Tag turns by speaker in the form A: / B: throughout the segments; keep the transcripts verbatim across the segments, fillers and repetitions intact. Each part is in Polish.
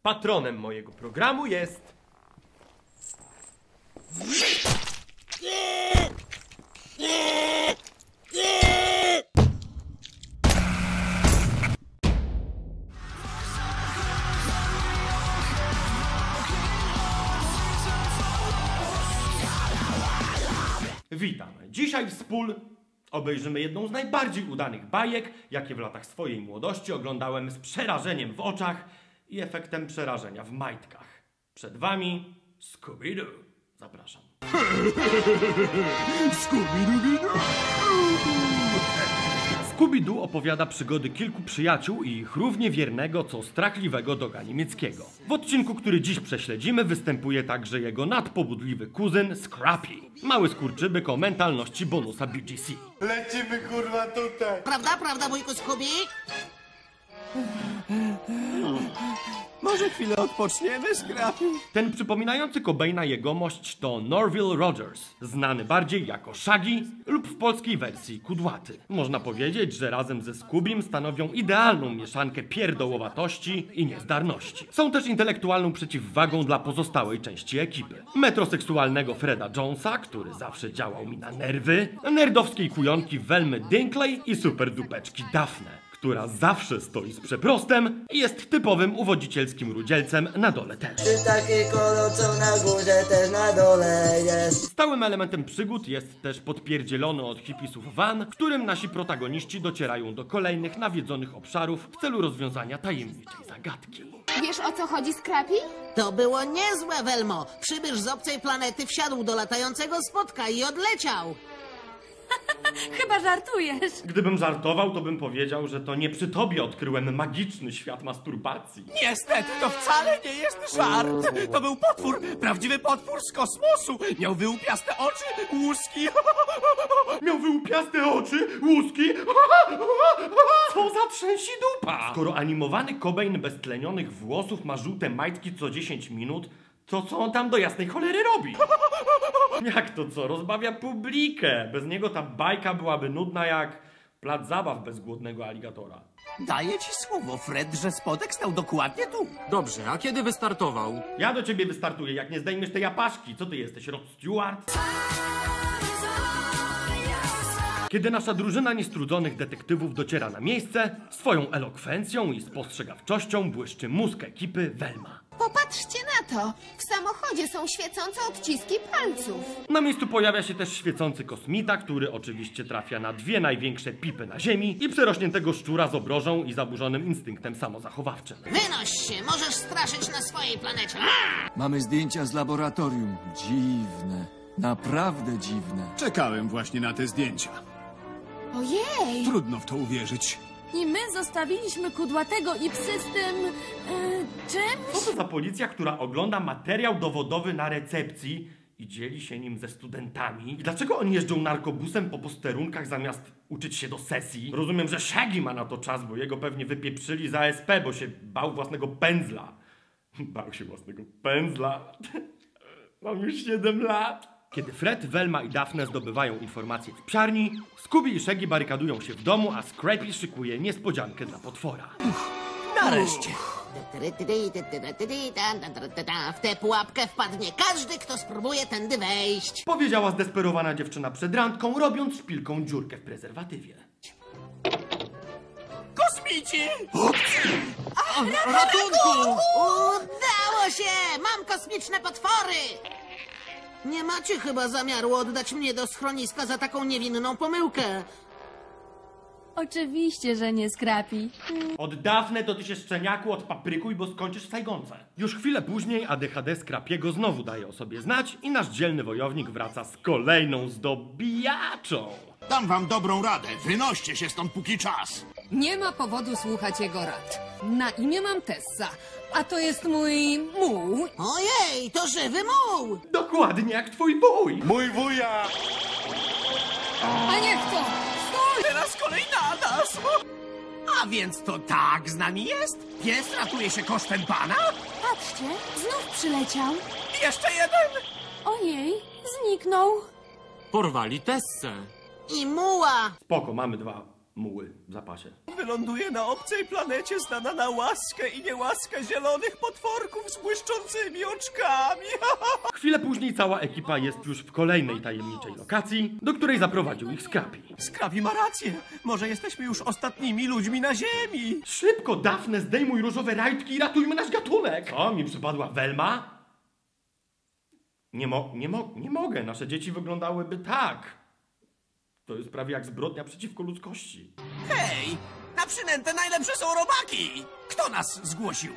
A: Patronem mojego programu jest... Witam. Dzisiaj wspól obejrzymy jedną z najbardziej udanych bajek, jakie w latach swojej młodości oglądałem z przerażeniem w oczach i efektem przerażenia w majtkach. Przed wami Scooby-Doo. Zapraszam. Scooby-Doo! Scooby-Doo opowiada przygody kilku przyjaciół i ich równie wiernego, co strachliwego doga niemieckiego. W odcinku, który dziś prześledzimy, występuje także jego nadpobudliwy kuzyn Scrappy. Mały skurczybyk o mentalności bonusa B G C.
B: Lecimy kurwa tutaj!
C: Prawda, prawda, wujku Scooby?
B: Może chwilę odpoczniemy, Scrappy?
A: Ten przypominający Cobaina jegomość to Norville Rogers, znany bardziej jako Shaggy lub w polskiej wersji Kudłaty. Można powiedzieć, że razem ze Scoobym stanowią idealną mieszankę pierdołowatości i niezdarności. Są też intelektualną przeciwwagą dla pozostałej części ekipy. Metroseksualnego Freda Jonesa, który zawsze działał mi na nerwy, nerdowskiej kujonki Velmy Dinkley i superdupeczki Daphne, która zawsze stoi z przeprostem i jest typowym uwodzicielskim rudzielcem na dole też.
D: Jest taki kolor, co na górze też na dole jest.
A: Stałym elementem przygód jest też podpierdzielony od hipisów van, w którym nasi protagoniści docierają do kolejnych nawiedzonych obszarów w celu rozwiązania tajemniczej zagadki.
E: Wiesz, o co chodzi, Scrappy?
C: To było niezłe, Velmo. Przybysz z obcej planety wsiadł do latającego spotka i odleciał.
E: Chyba żartujesz.
A: Gdybym żartował, to bym powiedział, że to nie przy tobie odkryłem magiczny świat masturbacji.
B: Niestety, to wcale nie jest żart! To był potwór, prawdziwy potwór z kosmosu! Miał wyłupiaste oczy, łuski...
A: Miał wyłupiaste oczy, łuski. Co za trzęsi dupa! Skoro animowany Cobain bez tlenionych włosów ma żółte majtki co dziesięć minut, to co on tam do jasnej cholery robi? Jak to co? Rozbawia publikę. Bez niego ta bajka byłaby nudna jak plac zabaw bez głodnego aligatora.
B: Daję ci słowo, Fred, że spodek stał dokładnie tu.
F: Dobrze, a kiedy wystartował?
A: Ja do ciebie wystartuję, jak nie zdejmiesz tej apaszki. Co ty jesteś, Rod Stewart? Kiedy nasza drużyna niestrudzonych detektywów dociera na miejsce, swoją elokwencją i spostrzegawczością błyszczy mózg ekipy Velma.
E: Popatrzcie na to. W samochodzie są świecące odciski palców.
A: Na miejscu pojawia się też świecący kosmita, który oczywiście trafia na dwie największe pipy na ziemi i przerośniętego szczura z obrożą i zaburzonym instynktem samozachowawczym.
C: Wynoś się, możesz straszyć na swojej planecie.
G: Mamy zdjęcia z laboratorium. Dziwne. Naprawdę dziwne.
H: Czekałem właśnie na te zdjęcia.
E: Ojej!
H: Trudno w to uwierzyć.
E: I my zostawiliśmy kudłatego i psy z tym... Yy, czymś?
A: Co to za policja, która ogląda materiał dowodowy na recepcji i dzieli się nim ze studentami? I dlaczego oni jeżdżą narkobusem po posterunkach zamiast uczyć się do sesji? Rozumiem, że Shaggy ma na to czas, bo jego pewnie wypieprzyli za S P, bo się bał własnego pędzla. Bał się własnego pędzla. Mam już siedem lat. Kiedy Fred, Velma i Daphne zdobywają informacje w psiarni, Scooby i Shaggy barykadują się w domu, a Scrappy szykuje niespodziankę dla potwora.
B: Nareszcie.
C: W tę pułapkę wpadnie każdy, kto spróbuje tędy wejść.
A: Powiedziała zdesperowana dziewczyna przed randką, robiąc szpilką dziurkę w prezerwatywie.
B: Kosmici!
C: Ratunku! Udało się! Mam kosmiczne potwory! Nie macie chyba zamiaru oddać mnie do schroniska za taką niewinną pomyłkę.
E: Oczywiście, że nie, Scrappy.
A: Od Daphne to ty się szczeniaku odpaprykuj, bo skończysz w Sajgonce. Już chwilę później A D H D Scrappiego znowu daje o sobie znać i nasz dzielny wojownik wraca z kolejną zdobijaczą.
I: Dam wam dobrą radę. Wynoście się stąd póki czas.
J: Nie ma powodu słuchać jego rad. Na imię mam Tessa, a to jest mój muł.
C: Ojej, to żywy muł!
A: Dokładnie jak twój wuj.
B: Mój wuja!
J: A niech to! Stój!
B: Teraz kolej na nas! A więc to tak z nami jest? Pies ratuje się kosztem pana?
E: Patrzcie, znów przyleciał.
B: Jeszcze jeden!
E: Ojej, zniknął.
F: Porwali Tessę.
C: I muła!
A: Spoko, mamy dwa muły w zapasie.
B: Wyląduje na obcej planecie znana na łaskę i niełaskę zielonych potworków z błyszczącymi oczkami.
A: Chwilę później cała ekipa jest już w kolejnej tajemniczej lokacji, do której zaprowadził ich Scrappy.
B: Scrappy ma rację. Może jesteśmy już ostatnimi ludźmi na Ziemi.
A: Szybko, Daphne, zdejmuj różowe rajtki i ratujmy nasz gatunek! O, mi przypadła Velma? Nie mo... nie mo... nie mogę, nasze dzieci wyglądałyby tak. To jest prawie jak zbrodnia przeciwko ludzkości.
B: Hej! Na przynętę najlepsze są robaki! Kto nas zgłosił?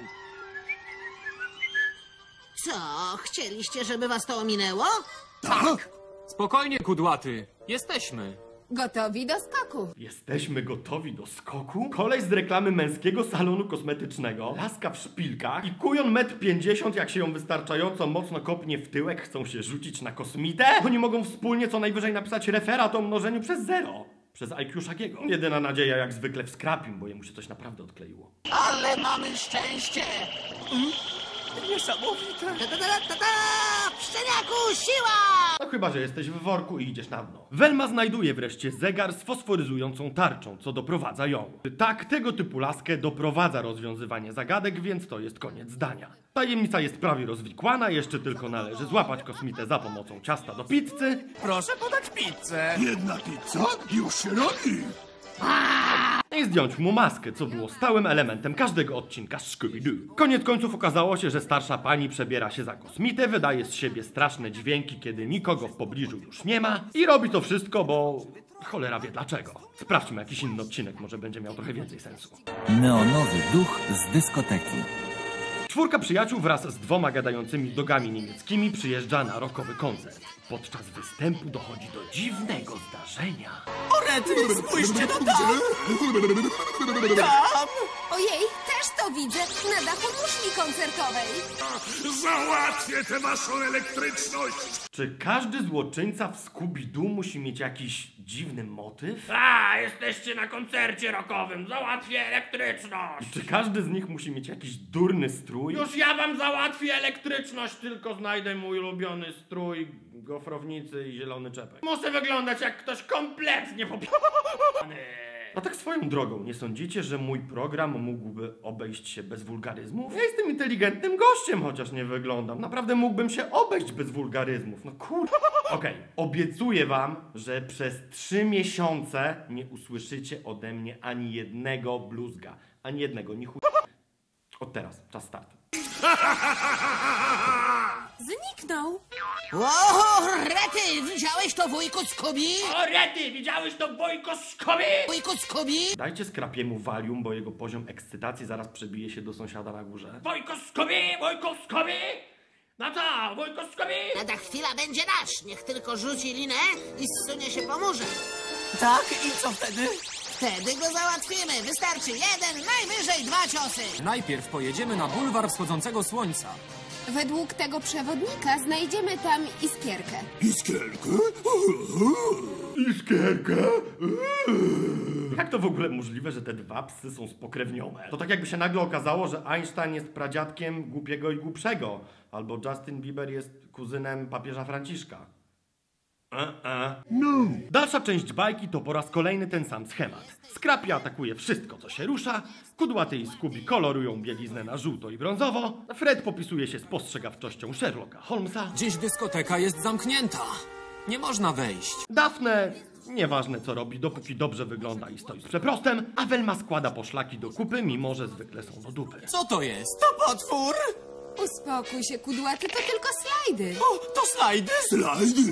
C: Co, chcieliście, żeby was to ominęło?
B: Tak!
F: Spokojnie, kudłaty. Jesteśmy.
J: Gotowi do skoku.
A: Jesteśmy gotowi do skoku? Koleś z reklamy męskiego salonu kosmetycznego, laska w szpilkach i kujon metr pięćdziesiąt, jak się ją wystarczająco mocno kopnie w tyłek, chcą się rzucić na kosmitę? Oni mogą wspólnie co najwyżej napisać referat o mnożeniu przez zero. Przez I Q Shaggy'ego. Jedyna nadzieja jak zwykle w Scrappym, bo jemu się coś naprawdę odkleiło.
I: Ale mamy szczęście!
B: Niesamowite!
C: Ta, ta, ta, ta, ta! Szczeniaku, siła!
A: No chyba, że jesteś w worku i idziesz na dno. Velma znajduje wreszcie zegar z fosforyzującą tarczą, co doprowadza ją. Tak, tego typu laskę doprowadza rozwiązywanie zagadek, więc to jest koniec zdania. Tajemnica jest prawie rozwikłana, jeszcze tylko należy złapać kosmitę za pomocą ciasta do pizzy.
B: Proszę podać pizzę.
I: Jedna pizza? Już się robi!
A: I zdjąć mu maskę, co było stałym elementem każdego odcinka z Scooby-Doo. Koniec końców okazało się, że starsza pani przebiera się za kosmitę, wydaje z siebie straszne dźwięki, kiedy nikogo w pobliżu już nie ma i robi to wszystko, bo cholera wie dlaczego. Sprawdźmy jakiś inny odcinek, może będzie miał trochę więcej sensu.
K: Neonowy duch z dyskoteki.
A: Czwórka przyjaciół wraz z dwoma gadającymi dogami niemieckimi przyjeżdża na rockowy koncert. Podczas występu dochodzi do dziwnego zdarzenia.
B: O rety, spójrzcie no tam! Tam!
J: Ojej, też to widzę na dachu muszli koncertowej.
I: Załatwię tę waszą elektryczność!
A: Czy każdy złoczyńca w Scooby-Doo musi mieć jakiś dziwny motyw?
L: A, jesteście na koncercie rockowym, załatwię elektryczność!
A: Czy każdy z nich musi mieć jakiś durny strój?
L: Już ja wam załatwię elektryczność, tylko znajdę mój ulubiony strój, gofrownicy i zielony czepek. Muszę wyglądać jak ktoś kompletnie popi***ny.
A: A tak swoją drogą, nie sądzicie, że mój program mógłby obejść się bez wulgaryzmów? Ja jestem inteligentnym gościem, chociaż nie wyglądam. Naprawdę mógłbym się obejść bez wulgaryzmów. No kur... Okej, okay. Obiecuję wam, że przez trzy miesiące nie usłyszycie ode mnie ani jednego bluzga. Ani jednego, ni chuj... Od teraz, czas startu.
E: Zniknął.
C: O, rety, widziałeś to, wujku Scooby?
L: O rety, widziałeś to, wujku Scooby?
C: Wujku Scooby?
A: Dajcie Scrappiemu Valium, bo jego poziom ekscytacji zaraz przebije się do sąsiada na górze.
L: Wujku Scooby, wujku Scooby? No co, wujku Scooby?
C: Lada chwila będzie nasz, niech tylko rzuci linę i zsunie się po murze.
B: Tak, i co wtedy?
C: Wtedy go załatwimy, wystarczy jeden, najwyżej dwa ciosy.
F: Najpierw pojedziemy na bulwar wschodzącego słońca.
J: Według tego przewodnika znajdziemy tam iskierkę.
I: Iskierkę?
A: Iskierkę? Jak to w ogóle możliwe, że te dwa psy są spokrewnione? To tak jakby się nagle okazało, że Einstein jest pradziadkiem głupiego i głupszego, albo Justin Bieber jest kuzynem papieża Franciszka. E-e.
I: No.
A: Dalsza część bajki to po raz kolejny ten sam schemat. Scrappy atakuje wszystko, co się rusza, Kudłaty i Scooby kolorują bieliznę na żółto i brązowo, Fred popisuje się spostrzegawczością Sherlocka Holmesa,
F: Dziś dyskoteka jest zamknięta. Nie można wejść.
A: Daphne, nieważne co robi, dopóki dobrze wygląda i stoi z przeprostem, a Velma składa poszlaki do kupy, mimo że zwykle są do dupy.
F: Co to jest?
B: To potwór!
J: Uspokój się, kudłaty, to tylko slajdy.
B: O, to slajdy!
I: Slajdy?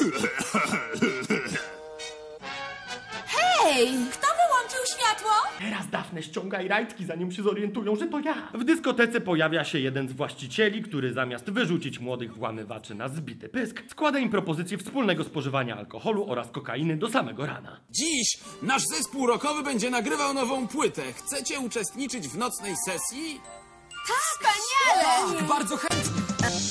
E: Hej, kto wyłączył światło?
A: Teraz Daphne ściągaj rajtki, zanim się zorientują, że to ja. W dyskotece pojawia się jeden z właścicieli, który zamiast wyrzucić młodych włamywaczy na zbity pysk, składa im propozycję wspólnego spożywania alkoholu oraz kokainy do samego rana.
M: Dziś nasz zespół rockowy będzie nagrywał nową płytę. Chcecie uczestniczyć w nocnej sesji?
J: Wspaniale!
F: Tak, bardzo chętnie.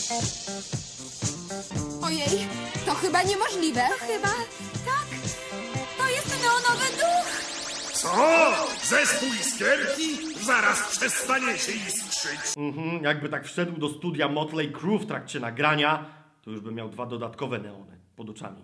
J: Ojej, to chyba niemożliwe.
E: Chyba tak. To jest neonowy duch.
I: Co? Zespół Iskierki? Zaraz przestaniecie iskrzyć.
A: Mhm, jakby tak wszedł do studia Motley Crue w trakcie nagrania, to już by miał dwa dodatkowe neony. pod oczami.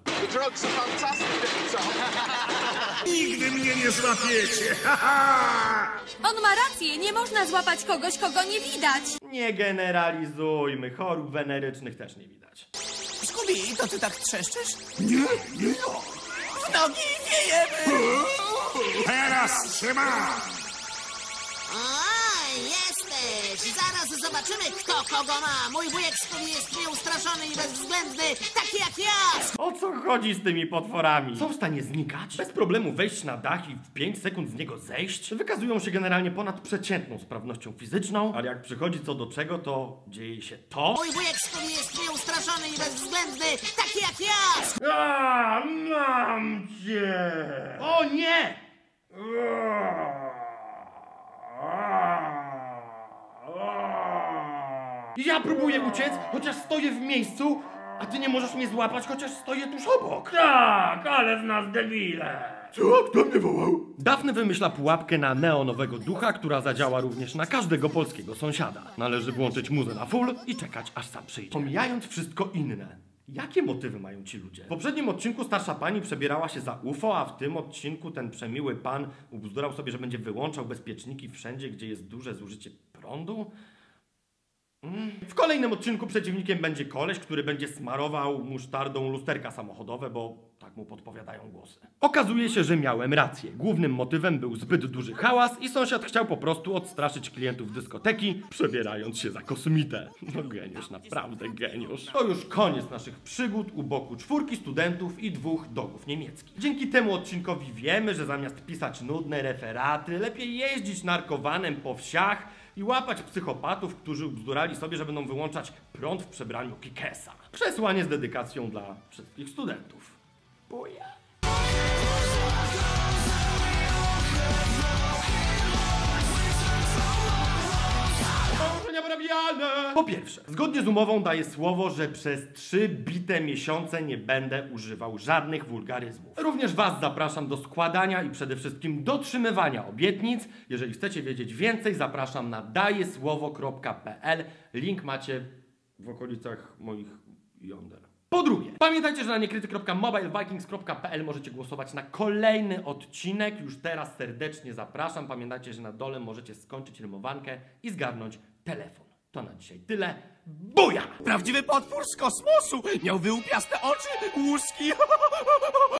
I: Nigdy mnie nie złapiecie!
E: On ma rację, nie można złapać kogoś, kogo nie widać.
A: Nie generalizujmy, chorób wenerycznych też nie widać.
B: Scooby, to ty tak trzeszczysz?
I: Nie, nie ja!
B: W nogi wiejemy!
I: Teraz trzymam!
C: Oj, jesteś! Zaraz zobaczymy, kto kogo ma. Mój wujek Scooby jest nieustraszony i bezwzględny, taki jak ja!
A: O co chodzi z tymi potworami? Są w stanie znikać? Bez problemu wejść na dach i w pięć sekund z niego zejść? Wykazują się generalnie ponad przeciętną sprawnością fizyczną, ale jak przychodzi co do czego, to dzieje się to...
C: Mój wujek Scooby jest nieustraszony i bezwzględny, taki jak ja!
A: A, mam cię! O nie! Ja próbuję uciec, chociaż stoję w miejscu, a ty nie możesz mnie złapać, chociaż stoję tuż obok. Tak, ale z nas debile.
I: Co? Kto mnie wołał?
A: Daphne wymyśla pułapkę na neonowego ducha, która zadziała również na każdego polskiego sąsiada. Należy włączyć muzę na full i czekać, aż sam przyjdzie. Pomijając wszystko inne. Jakie motywy mają ci ludzie? W poprzednim odcinku starsza pani przebierała się za U F O, a w tym odcinku ten przemiły pan ubzdurał sobie, że będzie wyłączał bezpieczniki wszędzie, gdzie jest duże zużycie prądu. W kolejnym odcinku przeciwnikiem będzie koleś, który będzie smarował musztardą lusterka samochodowe, bo tak mu podpowiadają głosy. Okazuje się, że miałem rację. Głównym motywem był zbyt duży hałas i sąsiad chciał po prostu odstraszyć klientów dyskoteki, przebierając się za kosmitę. No geniusz, naprawdę geniusz. To już koniec naszych przygód u boku czwórki studentów i dwóch dogów niemieckich. Dzięki temu odcinkowi wiemy, że zamiast pisać nudne referaty, lepiej jeździć narkowanem po wsiach i łapać psychopatów, którzy bzdurali sobie, że będą wyłączać prąd w przebraniu Kikesa. Przesłanie z dedykacją dla wszystkich studentów. Buja! Po pierwsze, zgodnie z umową daję słowo, że przez trzy bite miesiące nie będę używał żadnych wulgaryzmów. Również was zapraszam do składania i przede wszystkim dotrzymywania obietnic. Jeżeli chcecie wiedzieć więcej, zapraszam na dajesłowo kropka p l. Link macie w okolicach moich jąder. Po drugie, pamiętajcie, że na niekryty kropka mobilevikings kropka p l możecie głosować na kolejny odcinek. Już teraz serdecznie zapraszam. Pamiętajcie, że na dole możecie skończyć rymowankę i zgarnąć telefon. To na dzisiaj tyle. Buja!
B: Prawdziwy potwór z kosmosu! Miał wyłupiaste oczy, łuski.